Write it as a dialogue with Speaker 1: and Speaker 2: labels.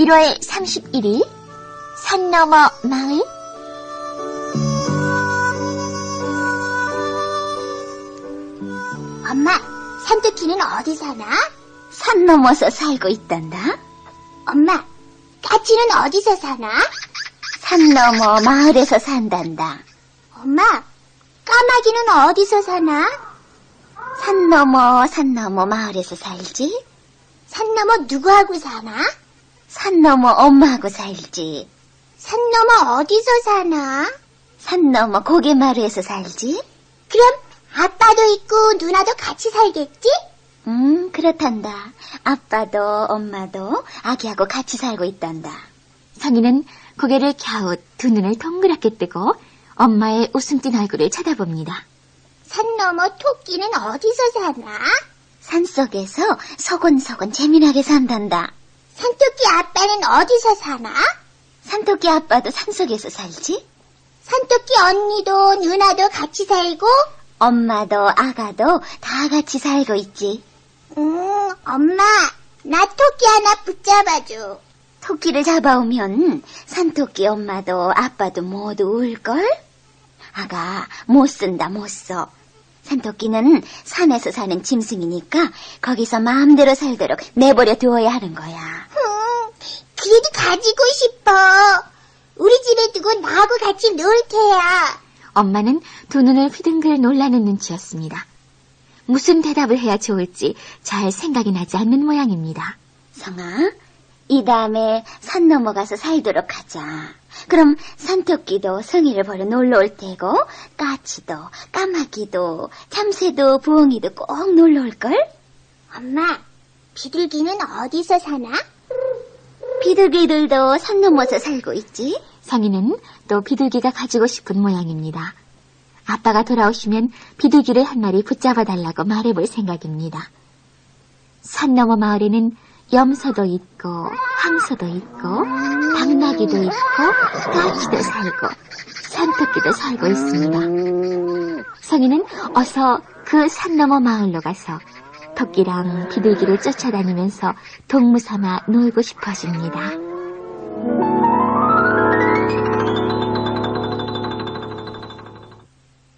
Speaker 1: 1월 31일 산 너머 마을.
Speaker 2: 엄마, 산토끼는 어디 사나?
Speaker 1: 산 넘어서 살고 있단다.
Speaker 2: 엄마, 까치는 어디서 사나?
Speaker 1: 산 너머 마을에서 산단다.
Speaker 2: 엄마, 까마귀는 어디서 사나?
Speaker 1: 산 넘어 마을에서 살지.
Speaker 2: 산 너머 누구하고 사나?
Speaker 1: 산 넘어 엄마하고 살지.
Speaker 2: 산 너머 어디서 사나?
Speaker 1: 산 넘어 고개마루에서 살지.
Speaker 2: 그럼 아빠도 있고 누나도 같이 살겠지?
Speaker 1: 그렇단다. 아빠도 엄마도 아기하고 같이 살고 있단다. 성이는 고개를 갸웃 두 눈을 동그랗게 뜨고 엄마의 웃음 띤 얼굴을 쳐다봅니다.
Speaker 2: 산 너머 토끼는 어디서 사나?
Speaker 1: 산속에서 소곤소곤 재미나게 산단다.
Speaker 2: 산토끼 아빠는 어디서 사나?
Speaker 1: 산토끼 아빠도 산속에서 살지.
Speaker 2: 산토끼 언니도 누나도 같이 살고?
Speaker 1: 엄마도 아가도 다 같이 살고 있지.
Speaker 2: 엄마, 나 토끼 하나 붙잡아줘.
Speaker 1: 토끼를 잡아오면 산토끼 엄마도 아빠도 모두 울걸? 아가, 못 쓴다, 못 써. 산토끼는 산에서 사는 짐승이니까 거기서 마음대로 살도록 내버려 두어야 하는 거야.
Speaker 2: 그래도 가지고 싶어. 우리 집에 두고 나하고 같이 놀 테야.
Speaker 1: 엄마는 두 눈을 휘둥글 놀라는 눈치였습니다. 무슨 대답을 해야 좋을지 잘 생각이 나지 않는 모양입니다. 성아, 이 다음에 산 넘어가서 살도록 하자. 그럼 산토끼도 성이를 보러 놀러 올 테고 까치도 까마귀도 참새도 부엉이도 꼭 놀러 올걸?
Speaker 2: 엄마, 비둘기는 어디서 사나?
Speaker 1: 비둘기들도 산 넘어서 살고 있지. 성이는 또 비둘기가 가지고 싶은 모양입니다. 아빠가 돌아오시면 비둘기를 한 마리 붙잡아 달라고 말해볼 생각입니다. 산 너머 마을에는 염소도 있고 황소도 있고 당나귀도 있고 까치도 살고 산토끼도 살고 있습니다. 성이는 어서 그 산 너머 마을로 가서 토끼랑 비둘기를 쫓아다니면서 동무 삼아 놀고 싶어집니다.